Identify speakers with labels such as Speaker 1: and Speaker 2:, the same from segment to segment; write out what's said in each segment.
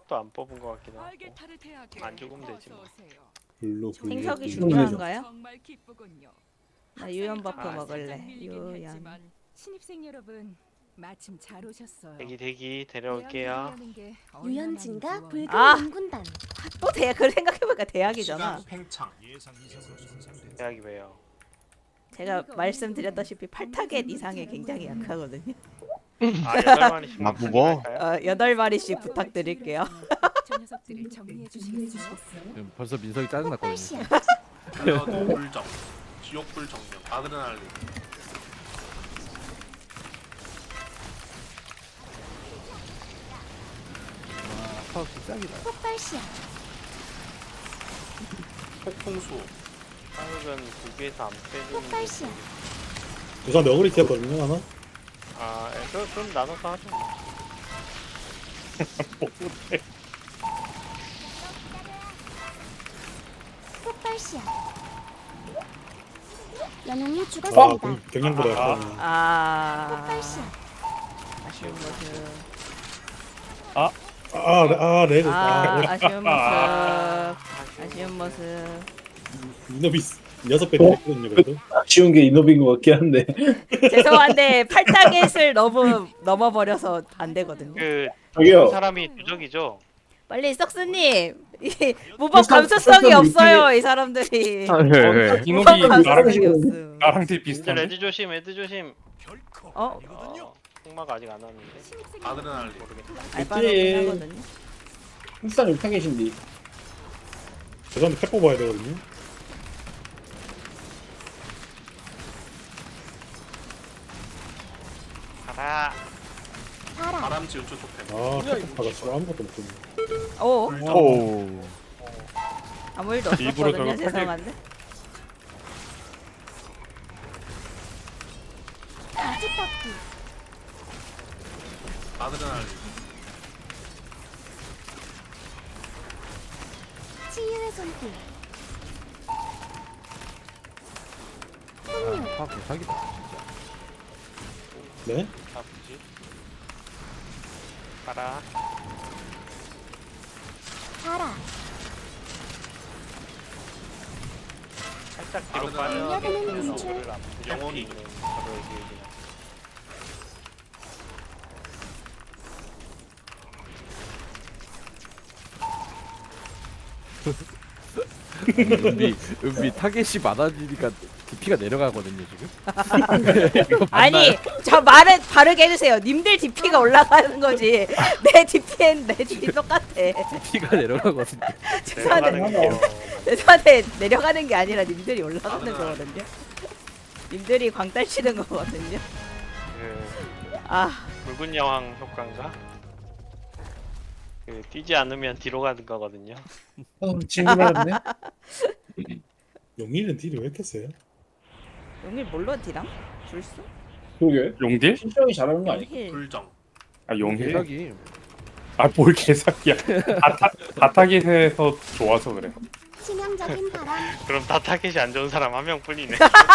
Speaker 1: 생석도 안 뽑은 것 같긴 하고. 안 죽으면 되지 뭐.
Speaker 2: 블루
Speaker 3: 생석이
Speaker 2: 블루
Speaker 3: 중요한가요?
Speaker 4: 정말 기쁘군요.
Speaker 3: 나 유연 버프
Speaker 1: 아,
Speaker 3: 먹을래. 유연.
Speaker 4: 신입생 여러분 마침 잘 오셨어요.
Speaker 1: 대기 데려올게요.
Speaker 5: 유연진과 붉은
Speaker 3: 아!
Speaker 5: 연군단.
Speaker 3: 또 대학 그걸 생각해보니까 대학이잖아.
Speaker 6: 시간 팽창.
Speaker 1: 대학이 왜요?
Speaker 3: 제가 말씀드렸다시피 8타겟 이상에 굉장히 약하거든요.
Speaker 1: 아 8마리씩
Speaker 7: 아, 무거?
Speaker 3: 8마리씩 부탁드릴게요.
Speaker 4: 저 녀석들을 정리해 주시겠어요?
Speaker 8: 지금 벌써 민석이 짜증났거든요.
Speaker 5: 폭발시야.
Speaker 6: 블러드 불정. 지옥불 정령. 아드레날린.
Speaker 8: 와, 파워 짱이다.
Speaker 5: 폭발시야.
Speaker 6: 폭풍수.
Speaker 1: 한국은 국에서 안 빼주는.
Speaker 5: 폭발시야.
Speaker 2: 부산 너구리 튀었거든요 하나?
Speaker 1: 아 그럼 나눠서 하죠.
Speaker 5: 폭발시야. 연웅이
Speaker 2: 아
Speaker 5: 죽었습니다.
Speaker 2: 경량보다 약하네.
Speaker 5: 폭발시야.
Speaker 3: 아쉬운 모습.
Speaker 2: 네.
Speaker 3: 아쉬운 모습. 아쉬운 모습.
Speaker 2: 이노비스 6배 때렸거든요 그래도.
Speaker 7: 쉬운 게 이노비인 것 같긴 한데.
Speaker 3: 죄송한데 8타겟을 너무 넘어버려서 안 되거든요.
Speaker 1: 그
Speaker 7: 저기요.
Speaker 1: 사람이 누적이죠.
Speaker 3: 빨리 썩스님 이 무법 감수성이 없어요 이 사람들이.
Speaker 7: 네.
Speaker 3: 무법
Speaker 2: 이노비
Speaker 3: 감수성이 없음.
Speaker 2: 나랑 되게
Speaker 1: 근데 레드 조심, 레드 조심.
Speaker 3: 어?
Speaker 1: 흑마가 아직 안 왔는데.
Speaker 6: 아드레날린.
Speaker 3: 알바는 하거든요.
Speaker 7: 흑산 육탕계신디.
Speaker 2: 죄송한데 팩 뽑아야 되거든요.
Speaker 1: 가라.
Speaker 5: 바람.
Speaker 6: 바람지 우주 토템.
Speaker 2: 팩 받았어. 아무것도 못 했네.
Speaker 3: 오
Speaker 6: 불정.
Speaker 7: 오.
Speaker 3: 아무 일도
Speaker 2: 일부러
Speaker 3: 없었거든요.
Speaker 2: 저거
Speaker 3: 죄송한데.
Speaker 5: 가지떡기.
Speaker 6: 아드레날린.
Speaker 5: 치유의 손길.
Speaker 8: 아, 파워 대박이다 진짜.
Speaker 2: 네?
Speaker 1: 아프지? 가라.
Speaker 5: 바라.
Speaker 1: 살짝 뒤로
Speaker 6: 아드레날린.
Speaker 1: 빠져.
Speaker 5: 달려드는 분출.
Speaker 6: 영혼이.
Speaker 1: 바로 얘기해.
Speaker 8: 은비 타겟이 많아지니까 DP가 내려가거든요 지금.
Speaker 3: 아니 저 말을 바르게 해주세요. 님들 DP가 올라가는 거지. 내 DP는 내 DP 똑같아.
Speaker 8: DP가 내려가거든요.
Speaker 1: 내려가는 게요.
Speaker 3: 죄송한데 내려가는 게 아니라 님들이 올라가는 거거든요. 님들이 광딸 치는 거거든요.
Speaker 1: 그
Speaker 3: 아
Speaker 1: 붉은 여왕 효과인가? 그 뛰지 않으면 뒤로 가는 거거든요.
Speaker 7: 친구라네.
Speaker 2: 용일은 딜이 왜 이렇게 세요?
Speaker 3: 용일 뭘로 딜함? 줄수?
Speaker 7: 그러게.
Speaker 9: 용딜?
Speaker 7: 신병이 잘하는 거 아니야?
Speaker 3: 용일.
Speaker 6: 불정.
Speaker 9: 아 용딜?
Speaker 8: 대박이.
Speaker 9: 아 뭘 개사기야. 다타깃에서 좋아서 그래.
Speaker 5: 치명적인 바람.
Speaker 1: 그럼 다 타겟이 안 좋은 사람 한 명뿐이네.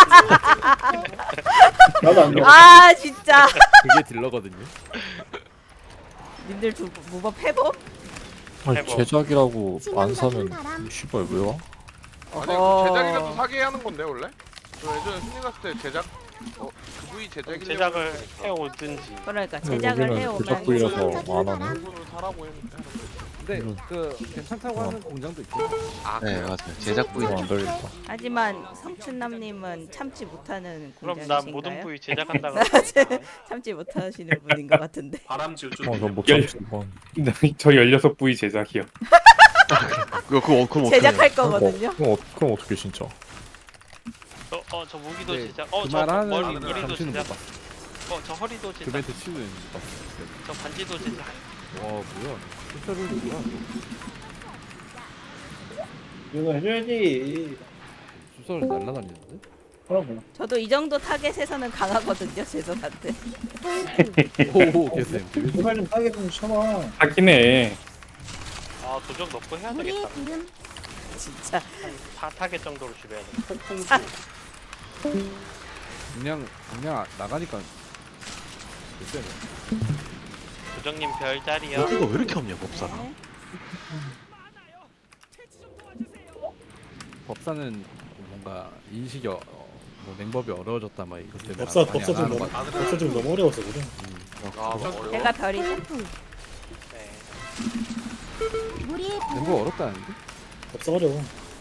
Speaker 7: 나도 안 돼.
Speaker 3: 아 진짜.
Speaker 8: 그게 딜러거든요.
Speaker 3: 님들 두 무법 회복?
Speaker 1: 아니, 해봐.
Speaker 10: 제작이라고 안
Speaker 5: 치명적인
Speaker 10: 사면
Speaker 5: 바람.
Speaker 10: 씨발 왜 와?
Speaker 11: 아니
Speaker 3: 어허.
Speaker 11: 제작이라도 사게 하는 건데 원래? 저 예전에 승리 갔을 때 제작 그 부위 제작이려고
Speaker 1: 제작을 해오든지.
Speaker 3: 그러니까 제작을
Speaker 10: 여기는
Speaker 3: 해오면
Speaker 10: 제작 부위라서 안 하네.
Speaker 11: 그거를 사라고 했는데
Speaker 8: 근데 그 괜찮다고 하는 공장도 있고.
Speaker 11: 아
Speaker 10: 네 맞아요. 제작 부위가 안 걸린다.
Speaker 3: 하지만 성춘남님은 참지 못하는
Speaker 1: 그럼 난
Speaker 3: 공장이신가요?
Speaker 1: 모든 부위 제작한다고.
Speaker 3: 참지 못하시는 분인 것 같은데.
Speaker 6: 바람지 우주
Speaker 10: 저못
Speaker 6: 토템.
Speaker 10: 참지 이건.
Speaker 9: 저 16부위 제작이요.
Speaker 10: 그럼
Speaker 3: 제작할 거거든요.
Speaker 10: 그럼 어떻게 진짜?
Speaker 1: 저 무기도
Speaker 8: 네,
Speaker 1: 제작.
Speaker 8: 그
Speaker 1: 저
Speaker 8: 말하는
Speaker 1: 머리도
Speaker 8: 정신은 못
Speaker 1: 제작.
Speaker 8: 봤어.
Speaker 1: 저 허리도
Speaker 8: 그
Speaker 1: 제작.
Speaker 8: 멘트 치는 못 봤어.
Speaker 1: 저 반지도 제작.
Speaker 8: 와 뭐야? 실제로 누구야?
Speaker 7: 이거 해줘야지.
Speaker 8: 수서를 날라다니는데?
Speaker 7: 그럼
Speaker 3: 저도 이 정도 타겟에서는 강하거든요. 죄송한데.
Speaker 8: 오오 개쌤.
Speaker 7: 제발 좀 따게 좀 쳐봐.
Speaker 9: 하긴 해.
Speaker 1: 아 도적 넣고 해야
Speaker 5: 우리의
Speaker 1: 되겠다.
Speaker 5: 구름.
Speaker 3: 진짜.
Speaker 1: 한 4타겟 정도로 줄여야 돼.
Speaker 6: 폭풍수.
Speaker 8: 그냥 나가니까 개쌤.
Speaker 1: 도적님 별자리요.
Speaker 10: 여기가 왜 이렇게 없냐 법사가?
Speaker 3: 네.
Speaker 8: 법사는 뭔가 인식이 뭐 맹법이 어려워졌다 막 이것 때문에
Speaker 2: 법사
Speaker 8: 많이
Speaker 2: 법사
Speaker 8: 안
Speaker 2: 좀
Speaker 8: 하는
Speaker 2: 너무
Speaker 8: 것 같아.
Speaker 2: 법사 좀 너무 어려워서 그래.
Speaker 11: 아 어려워.
Speaker 3: 제가 별이죠.
Speaker 5: 폴풍
Speaker 1: 네.
Speaker 5: 무리의 부름
Speaker 8: 맹법 어렵다는데?
Speaker 2: 법사 어려워.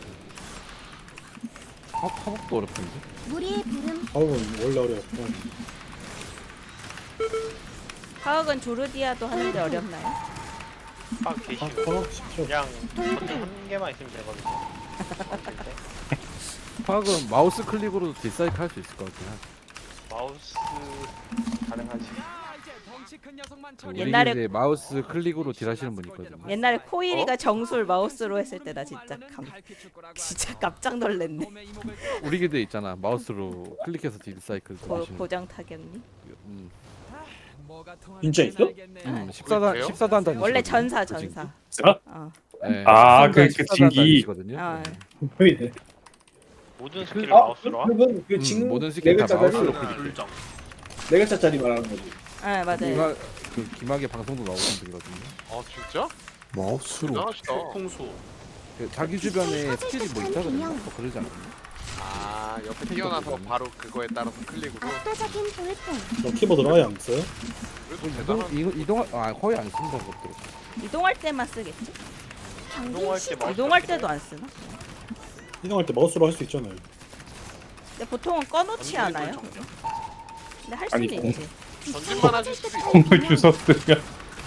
Speaker 8: 화복도 어렵던데?
Speaker 5: 무리의 부름
Speaker 2: 화음은 원래 어려웠고.
Speaker 3: 화학은 조르디아도 하는데 어렵나요?
Speaker 1: 아 계시고
Speaker 2: 화학 쉽죠.
Speaker 1: 그냥 버튼 한 개만 있으면 되거든요. 만들 때.
Speaker 8: 화학은 마우스 클릭으로도 딜사이클 할 수 있을 것 같긴 하지.
Speaker 1: 마우스 가능하지.
Speaker 3: 옛날에-
Speaker 8: 우리 이제 마우스 클릭으로 딜하시는 분 있거든요.
Speaker 3: 옛날에 코일이가 정술 마우스로 했을 때 나 진짜 깜짝 놀랐네.
Speaker 8: 우리 기대 있잖아. 마우스로 클릭해서 딜사이클 돌리시는.
Speaker 3: 고장 타격님.
Speaker 8: 음.
Speaker 7: 진짜 있어?
Speaker 8: 14단 한다는.
Speaker 3: 원래 전사. 어.
Speaker 8: 네,
Speaker 9: 아,
Speaker 8: 13단,
Speaker 9: 그
Speaker 8: 14단
Speaker 9: 진기.
Speaker 8: 다니시거든요.
Speaker 3: 아.
Speaker 8: 네.
Speaker 7: 보이네.
Speaker 1: 모든 스킬을
Speaker 7: 아,
Speaker 1: 마우스로 함?
Speaker 7: 그건 그 지금
Speaker 8: 모든 스킬 다
Speaker 7: 4글자짜리
Speaker 8: 마우스로
Speaker 6: 아드레날린
Speaker 8: 클릭해.
Speaker 6: 불정.
Speaker 7: 4글자짜리 말하는 거지.
Speaker 3: 아 맞아요.
Speaker 8: 그 기막의 방송도 나오는 분이거든요.
Speaker 11: 아 진짜?
Speaker 10: 마우스로
Speaker 11: 대단하시다.
Speaker 6: 폭풍수.
Speaker 8: 그 자기 주변에 스킬이 뭐 있다 그랬나? 뭐 그러지 않았나?
Speaker 11: 아 옆에 튀어나서 바로 그거에 따라서 클릭으로.
Speaker 5: 압도적인 돌풍
Speaker 2: 저 키보드로 아예 안 써요?
Speaker 11: 그래도 대단한.
Speaker 8: 이동 거의 안 쓴다 그것도.
Speaker 3: 이동할 때만 쓰겠지?
Speaker 5: 경계
Speaker 1: 이동할 때
Speaker 5: 시작
Speaker 1: 마우스
Speaker 3: 이동할 때도 안 쓰나?
Speaker 2: 이동할 때 마우스로 할 수 있잖아요.
Speaker 3: 근데 보통은 꺼놓지 않아요? 근데 할 수는
Speaker 9: 아니,
Speaker 3: 있지.
Speaker 11: 전진만 하실 수도 있어.
Speaker 9: 공을 주셨으면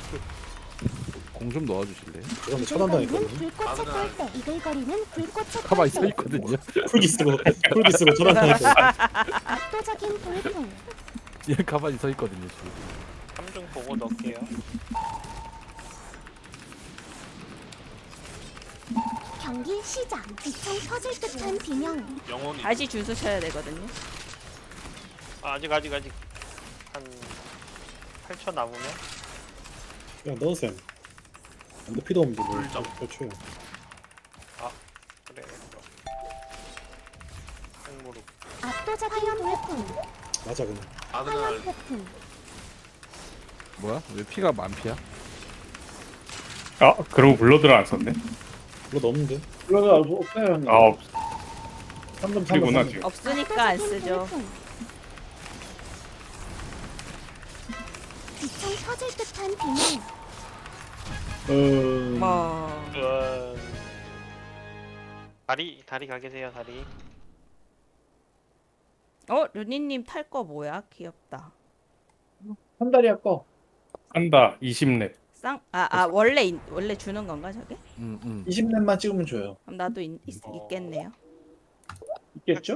Speaker 8: 공 좀 넣어주실래요?
Speaker 2: 저번에
Speaker 5: 이글거리는
Speaker 2: 차단당했거든요.
Speaker 5: 불꽃의 꼴대 이글거리는 불꽃의
Speaker 8: 가만히 서
Speaker 5: 꼴대
Speaker 8: 있거든요.
Speaker 2: 풀기 쓰고 차단당했거든요.
Speaker 5: 압도적인 돌풍
Speaker 8: 얘 가만히 서 있거든요 지금.
Speaker 1: 3중 보고 넣을게요.
Speaker 5: 경기 시작 기총 터질 듯한 비명
Speaker 6: 영혼이.
Speaker 3: 다시 주스 쳐야 되거든요.
Speaker 1: 아, 아직 한 8초 남으면
Speaker 2: 그냥 넣으세요. 근데 피도 없는데 뭘
Speaker 6: 불정.
Speaker 2: 펼쳐요.
Speaker 1: 그래. 생무릎.
Speaker 5: 압도적인 돌풍
Speaker 2: 맞아 그냥.
Speaker 5: 화염
Speaker 6: 아드레날린.
Speaker 5: 폭풍
Speaker 8: 뭐야? 왜 피가 만피야?
Speaker 9: 아 그러고 블러드를 안 썼네.
Speaker 2: 그거 넣었는데.
Speaker 7: 그러면 없어요.
Speaker 9: 아 없.
Speaker 7: 3점
Speaker 9: 그리구나
Speaker 7: 3점.
Speaker 9: 지금.
Speaker 3: 없으니까 안
Speaker 5: 압도적인
Speaker 3: 쓰죠.
Speaker 5: 돌풍. 기총 터질 듯한 비명
Speaker 3: 뭐
Speaker 1: 다리 가 계세요, 다리.
Speaker 3: 루니님 탈 거 뭐야? 귀엽다.
Speaker 7: 한 달이 아까
Speaker 9: 한다 20렙.
Speaker 3: 원래 주는 건가 저게?
Speaker 7: 20렙만 찍으면 줘요.
Speaker 3: 그럼 나도 있겠네요.
Speaker 7: 있겠죠?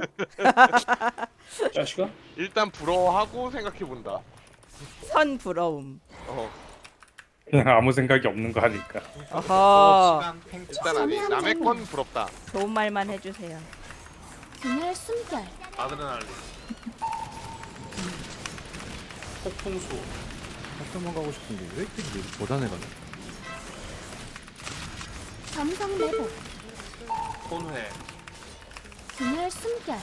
Speaker 7: 자식아?
Speaker 11: 일단 부러워하고 생각해 본다.
Speaker 3: 선 부러움.
Speaker 9: 그냥 아무 생각이 없는 거 하니까.
Speaker 3: 어허.
Speaker 6: 시간 팽창.
Speaker 11: 일단 아니 남의 건 부럽다.
Speaker 3: 좋은 말만 해주세요.
Speaker 5: 균열 숨결
Speaker 6: 아드레날린. 폭풍수.
Speaker 8: 학교만 가고 싶은데 왜 이렇게 못하네 가네.
Speaker 5: 점성 내복
Speaker 6: 혼회.
Speaker 5: 균열 숨결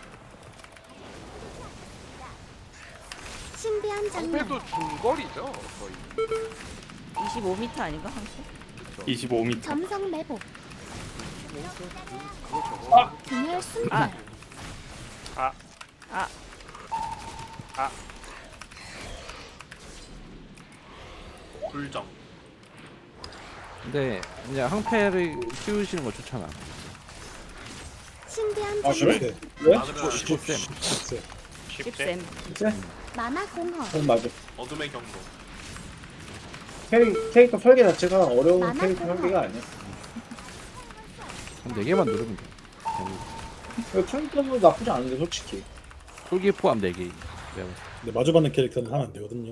Speaker 5: 신비한 장면
Speaker 11: 방패도 중거리죠 거의.
Speaker 3: 25m 아닌가 항상?
Speaker 9: 25m.
Speaker 5: 점성 내복
Speaker 11: 그거 저거.
Speaker 5: 균열 숨결
Speaker 6: 불정.
Speaker 8: 근데 그냥 항패를 키우시는 거 좋잖아.
Speaker 5: 신비한
Speaker 7: 아
Speaker 5: 장면
Speaker 7: 그래?
Speaker 2: 네?
Speaker 7: 왜?
Speaker 6: 아드레날린.
Speaker 2: 쉽세.
Speaker 1: 쉽대.
Speaker 3: 씹쌤.
Speaker 5: 만화 공허
Speaker 7: 맞아.
Speaker 6: 어둠의 경도.
Speaker 7: 캐릭터 설계 자체가 어려운
Speaker 5: 만화
Speaker 7: 캐릭터
Speaker 5: 공허.
Speaker 7: 설계가 아니야.
Speaker 8: 한 4개만 누르면 돼.
Speaker 7: 캐릭터도 나쁘지 않은데 솔직히.
Speaker 8: 솔기 포함 4개.
Speaker 2: 근데 마주받는 캐릭터는 하면 안 되거든요.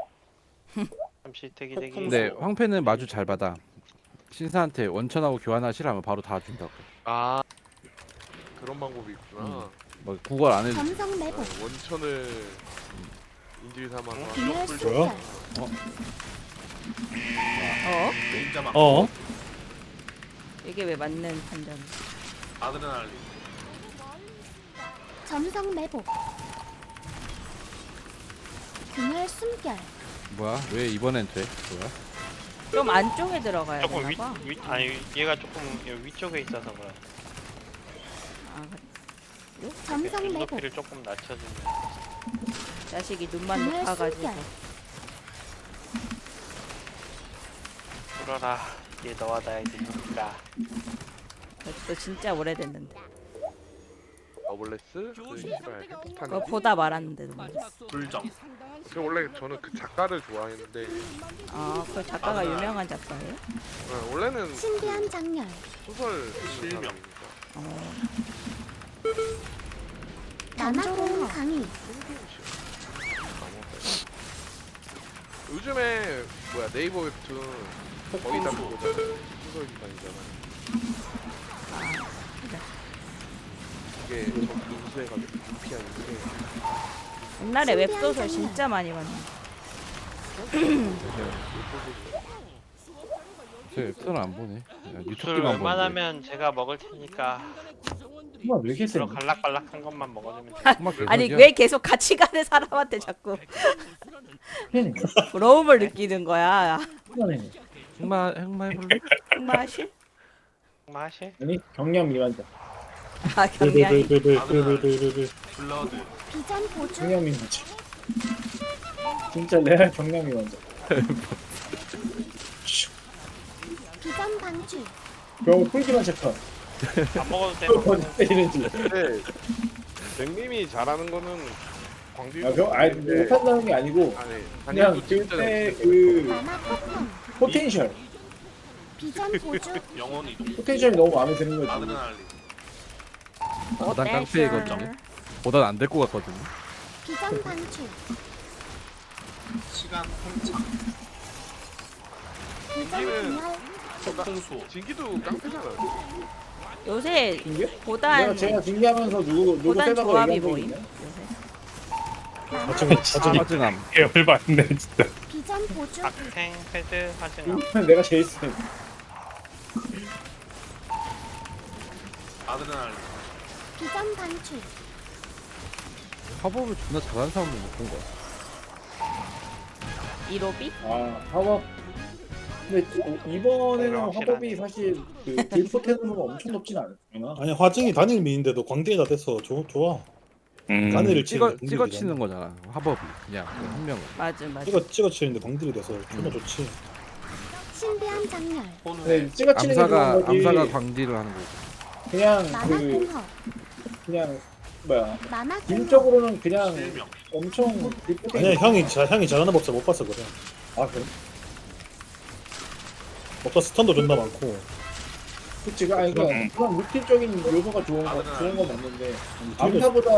Speaker 1: 잠시 대기.
Speaker 8: 근데 황패는 마주 잘 받아. 신사한테 원천하고 교환하시라면 바로 다 준다고.
Speaker 11: 아 그런 방법이 있구나.
Speaker 8: 뭐 구걸 안 해도
Speaker 5: 점성 내복
Speaker 11: 원천을 인질 삼아서.
Speaker 5: 균열
Speaker 2: 뭐야?
Speaker 5: 숨결
Speaker 6: 레인저막.
Speaker 3: 이게 왜 맞는 판정?
Speaker 6: 아드레날린.
Speaker 5: 점성 내복 균열 숨결
Speaker 8: 뭐야? 왜 이번엔 돼? 뭐야?
Speaker 3: 좀 안쪽에 들어가야
Speaker 1: 조금
Speaker 3: 되나봐.
Speaker 1: 아니 얘가 조금 위쪽에 있어서 그래.
Speaker 3: 아, 그래.
Speaker 5: 점성 매복
Speaker 1: 눈높이를 조금 낮춰주면.
Speaker 3: 자식이 눈만
Speaker 5: 정말
Speaker 3: 높아가지고.
Speaker 5: 숨결.
Speaker 1: 불어라. 얘 너와 나의 눈높이가.
Speaker 3: 또 진짜 오래됐는데.
Speaker 11: 러블레스 그 씨발
Speaker 3: 그거
Speaker 11: 핵폭탄.
Speaker 3: 보다 말았는데도.
Speaker 6: 불정.
Speaker 11: 저 원래 저는 그 작가를 좋아했는데
Speaker 3: 아, 그 작가가 유명한 작가예요?
Speaker 11: 원래는
Speaker 5: 신비한 장렬
Speaker 11: 소설 쓰는
Speaker 6: 실명.
Speaker 11: 사람이니까.
Speaker 3: 어.
Speaker 5: 남조공 강의
Speaker 11: 요즘에 뭐야 네이버 웹툰 거의 다 그거잖아. 소설 기반이잖아. 이게 저 인수해가지고 DPI인데
Speaker 3: 옛날에 웹소설 진짜 많이 봤는데.
Speaker 8: 제 웹툰을 안 보네. 그냥
Speaker 1: 술
Speaker 8: 유튜브만 보는데.
Speaker 1: 웬만하면 제가 먹을 테니까
Speaker 7: 정말 왜 이렇게 세?
Speaker 1: 그런 갈락갈락한 것만 먹어주면 돼.
Speaker 8: 정말
Speaker 3: 아니
Speaker 8: 개소리야.
Speaker 3: 왜 계속 같이 가는 사람한테 자꾸 부러움을 느끼는 거야.
Speaker 8: 흑마 해볼래?
Speaker 3: 맛이?
Speaker 1: 맛이?
Speaker 7: 아니 경량 미만자.
Speaker 3: 아 경량이.
Speaker 6: 블러드.
Speaker 5: 비전 보조
Speaker 7: 경량 미만자. 진짜 레알 경량 미만자.
Speaker 5: 비전 방출
Speaker 7: 겨우 풀기만 체크.
Speaker 1: 안 먹어도 돼.
Speaker 7: 어디 때리는지.
Speaker 11: 근데 맥님이 잘하는 거는 광주.
Speaker 7: 아니 못한다는 게 아니고
Speaker 11: 아니
Speaker 7: 그냥
Speaker 11: 단일도 진짜
Speaker 7: 그때
Speaker 11: 잘해.
Speaker 7: 그
Speaker 5: 만화 폭탄
Speaker 7: 포텐셜
Speaker 5: 비전 보조
Speaker 6: 영혼 이동.
Speaker 7: 포텐셜이 너무 마음에 드는 거지.
Speaker 6: 아드레날린.
Speaker 8: 보단 깡패이거든요. 보단 안 될 것 같거든요.
Speaker 5: 비전 방출
Speaker 6: 시간 통창.
Speaker 5: 비전 분열
Speaker 6: 폭풍수.
Speaker 11: 진기도 깡패잖아.
Speaker 3: 요새
Speaker 7: 이게?
Speaker 3: 보단
Speaker 7: 제가 징계하면서 누구
Speaker 3: 보단
Speaker 7: 세다고
Speaker 3: 조합이
Speaker 7: 얘기한 적
Speaker 3: 모임.
Speaker 7: 있나요?
Speaker 3: 요새.
Speaker 2: 나중에
Speaker 8: 화진함.
Speaker 9: 열받네 진짜.
Speaker 5: 비전 보조
Speaker 1: 박생, 패드, 화증함.
Speaker 7: 이거는 내가 제일 세.
Speaker 6: 아드레날린.
Speaker 5: 비전 방출
Speaker 8: 화법을 존나 잘하는 사람도 못 본 거야.
Speaker 3: 이로비?
Speaker 7: 아 화법. 근데 이번에는
Speaker 1: 확실하네.
Speaker 7: 화법이 사실 그 딜포텐으로 엄청 높진 않았나?
Speaker 2: 아니 화증이 단일 미인데도 광대에다 대서 좋아. 단일을
Speaker 8: 찍어치는 거잖아. 화법이 그냥 한 명을.
Speaker 3: 맞아 맞아.
Speaker 2: 찍어치는데 광딜이 돼서 존나 좋지.
Speaker 5: 신비한 장렬
Speaker 6: 혼회.
Speaker 7: 네, 찍어치는 게 좋은 거지.
Speaker 8: 암사가 광딜을 하는 거고.
Speaker 7: 그냥
Speaker 5: 만화
Speaker 7: 그
Speaker 5: 공허
Speaker 7: 그냥 뭐야
Speaker 5: 만화 공허
Speaker 7: 딜적으로는 그냥
Speaker 6: 실명.
Speaker 7: 엄청 딜포텐.
Speaker 2: 아니야 형이 잘하는 법사 못 봐서 그래.
Speaker 7: 아 그래?
Speaker 2: 법사 스턴도 존나 많고.
Speaker 7: 그치 아니 그러니까 그런 루틴적인 요소가 좋은 건 맞는데 암사보다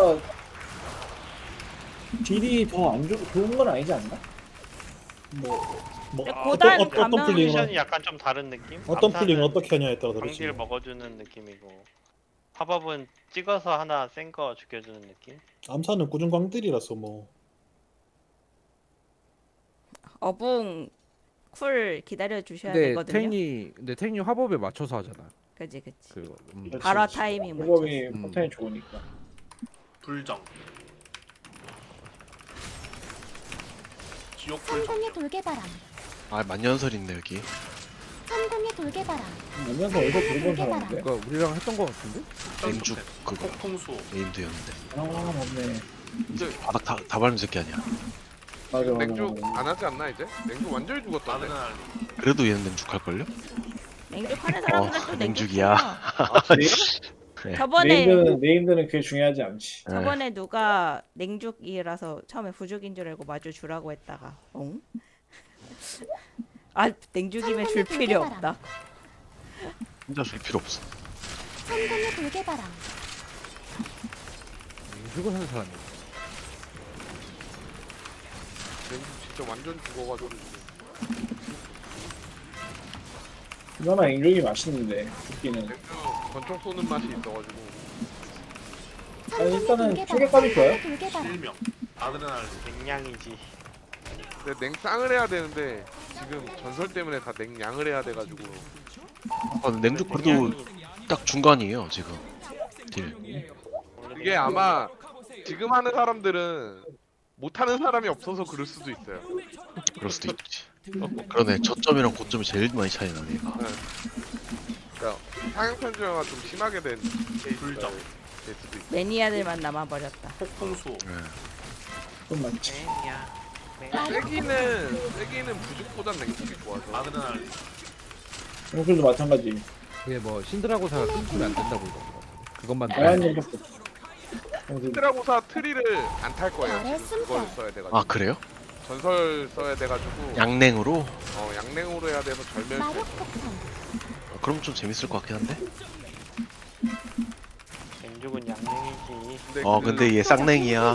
Speaker 7: 딜이 더 안 좋은 건 아니지 않나?
Speaker 2: 뭐
Speaker 3: 근데 고단
Speaker 2: 어떤
Speaker 3: 가면
Speaker 2: 플링은
Speaker 1: 컨디션이 약간 좀 다른 느낌?
Speaker 2: 어떤
Speaker 1: 암사는
Speaker 2: 플링을 어떻게 하냐에 따라 다르지.
Speaker 1: 광딜 먹어주는 느낌이고 화법은 찍어서 하나 센 거 죽여주는 느낌?
Speaker 2: 암사는 꾸준 광딜이라서 뭐.
Speaker 3: 어붕 쿨 기다려 주셔야 되거든요.
Speaker 8: 근데 탱이 화법에 맞춰서 하잖아.
Speaker 3: 그지 그지.
Speaker 8: 그거.
Speaker 3: 발화 타이밍 맞춰.
Speaker 7: 방법이 포텐이 좋으니까.
Speaker 6: 불정. 지옥 불정.
Speaker 5: 천공의 돌개바람
Speaker 10: 아 만년설인데 여기.
Speaker 5: 천공의 돌개바람
Speaker 7: 안면서 어디서 들어본 사람인데?
Speaker 8: 그거 우리랑 했던 거 같은데?
Speaker 10: 맹죽 그거
Speaker 6: 폭풍수.
Speaker 10: 네임드였는데.
Speaker 7: 아 맞네.
Speaker 10: 바닥 다 밟는 새끼 아니야.
Speaker 7: 맞아 맞아.
Speaker 11: 냉죽
Speaker 7: 맞아.
Speaker 11: 안 하지 않나 이제? 냉죽 완전히 죽었다네.
Speaker 6: 아드레날린.
Speaker 10: 그래도 얘는 맹죽 할걸요?
Speaker 3: 냉죽 하는 사람들도
Speaker 10: 냉죽이야. 네.
Speaker 3: 저번에
Speaker 7: 네임드는 그게 중요하지 않지.
Speaker 3: 저번에 누가 냉죽이라서 처음에 부죽인 줄 알고 마주 주라고 했다가 응? 아 냉죽이면 줄 필요 없다.
Speaker 10: 혼자 줄 필요 없어.
Speaker 5: 천공의 돌개바람
Speaker 8: 맹죽을 하는 사람이.
Speaker 11: 냉죽 진짜 완전 죽어가지고.
Speaker 7: 그나마 앵룡이 맛있는데 죽기는.
Speaker 11: 냉죽 권총 쏘는 맛이 있어가지고.
Speaker 7: 아니 일단은 초계값이 좋아요.
Speaker 5: 돌개바람
Speaker 6: 실명. 아드레날린.
Speaker 1: 맹량이지.
Speaker 11: 근데 냉쌍을 해야 되는데 지금 전설 때문에 다 냉양을 해야 돼가지고.
Speaker 10: 냉죽 그래도 딱 중간이에요 지금. 딜.
Speaker 11: 이게 아마 지금 하는 사람들은 못하는 사람이 없어서 그럴 수도 있어요.
Speaker 10: 그럴 수도 있지. 그러네. 저점이랑 고점이 제일 많이 차이 나네. 얘가.
Speaker 11: 그러니까 상향 편중화가 좀 심하게 된
Speaker 6: 불정.
Speaker 11: 될 수도 있어.
Speaker 3: 매니아들만 남아버렸다.
Speaker 6: 폭풍수.
Speaker 10: 네.
Speaker 7: 좀 많지.
Speaker 11: 세기는 부죽보단 냉죽이 좋아서.
Speaker 6: 아드레날린.
Speaker 7: 정글도 마찬가지.
Speaker 8: 그게 뭐 신드라고사가 끊기면 안 된다고 이거 그것만
Speaker 7: 다양한 것밖에 없어.
Speaker 11: 히드라고사 트리를 안 탈 거예요.
Speaker 5: 별의
Speaker 11: 지금 그걸
Speaker 5: 숨결.
Speaker 11: 써야 돼가지고.
Speaker 10: 아 그래요?
Speaker 11: 전설 써야 돼가지고.
Speaker 10: 양냉으로?
Speaker 11: 양냉으로 해야 돼서 절멸.
Speaker 5: 마력폭탄.
Speaker 10: 그럼 좀 재밌을 것 같긴 한데.
Speaker 1: 맹죽은 양냉이지.
Speaker 10: 근데 얘 쌍냉이야.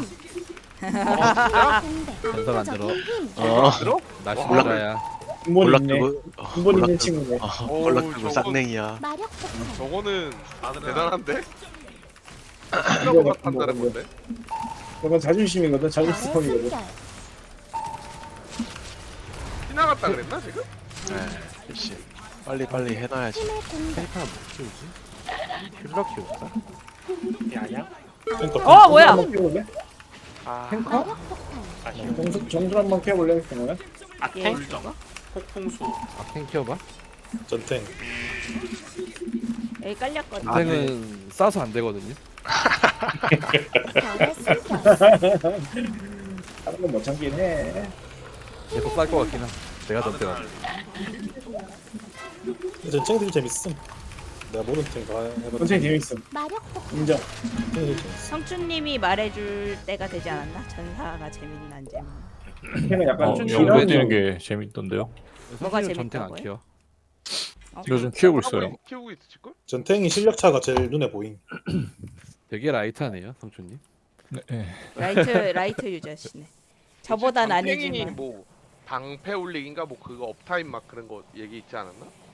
Speaker 8: 전설 안 들어.
Speaker 10: 어.
Speaker 8: 나 신드라야.
Speaker 7: 근본 있네.
Speaker 10: 볼락두고.
Speaker 7: 근본 있는 친구네.
Speaker 10: 볼락두고
Speaker 11: 저건-
Speaker 10: 쌍냉이야.
Speaker 5: 마력폭탄.
Speaker 11: 저거는
Speaker 6: 아드레날린.
Speaker 11: 대단한데?
Speaker 7: 이거
Speaker 11: 히드라고사
Speaker 7: 같은
Speaker 11: 탄다는
Speaker 7: 거고.
Speaker 11: 건데.
Speaker 7: 저건 자존심이거든.
Speaker 5: 별의
Speaker 7: 자존심이거든.
Speaker 5: 숨결.
Speaker 11: 지나갔다 그랬나 지금?
Speaker 10: 네. 역시. 빨리 해놔야지.
Speaker 5: 힘의 공격.
Speaker 8: 탱크가 못 키우지? 힐러 키울까?
Speaker 1: 이 아니야?
Speaker 3: 어 뭐야?
Speaker 7: 한번 키워볼래?
Speaker 1: 아,
Speaker 5: 마력폭탄.
Speaker 1: 아쉬워.
Speaker 7: 정술 한번 키워볼래? 그러면?
Speaker 3: 예.
Speaker 6: 불정. 폭풍수.
Speaker 8: 탱 키워봐.
Speaker 2: 전탱.
Speaker 3: 여기 깔렸거든.
Speaker 8: 탱은 싸서 안 되거든요.
Speaker 5: 별의 숨결.
Speaker 7: 다른 건 못 참긴 해.
Speaker 8: 계속 쌀 것 같긴 한. 내가 던져가.
Speaker 6: 아드레날린.
Speaker 2: 전탱 되게 재밌음. 내가 모르는 탱 다 해봤는데
Speaker 7: 전체 재밌음.
Speaker 5: 마력폭탄.
Speaker 7: 인정.
Speaker 2: 전탱 되게 재밌어.
Speaker 3: 성춘님이 말해줄 때가 되지 않았나? 전사가 재밌나 안 재밌나?
Speaker 7: 걔는 약간
Speaker 8: 좀
Speaker 9: 영도 해지는
Speaker 7: 지나는
Speaker 9: 게 재밌던데요.
Speaker 3: 뭐가
Speaker 8: 성준이는 전탱 안
Speaker 3: 재밌다고요?
Speaker 8: 키워.
Speaker 9: 요즘 키우고 있어요.
Speaker 11: 키우고 있을걸?
Speaker 2: 전탱이 실력차가 제일 눈에 보임.
Speaker 8: 되게 라이트하네요, 성준님.
Speaker 9: 네.
Speaker 3: 라이트 유저시네. 저보단
Speaker 11: 땡이니
Speaker 3: 아니지만.
Speaker 11: 뭐 방패 올리기인가 뭐 그거 업타임 막 그런 거 얘기 있지 않았나?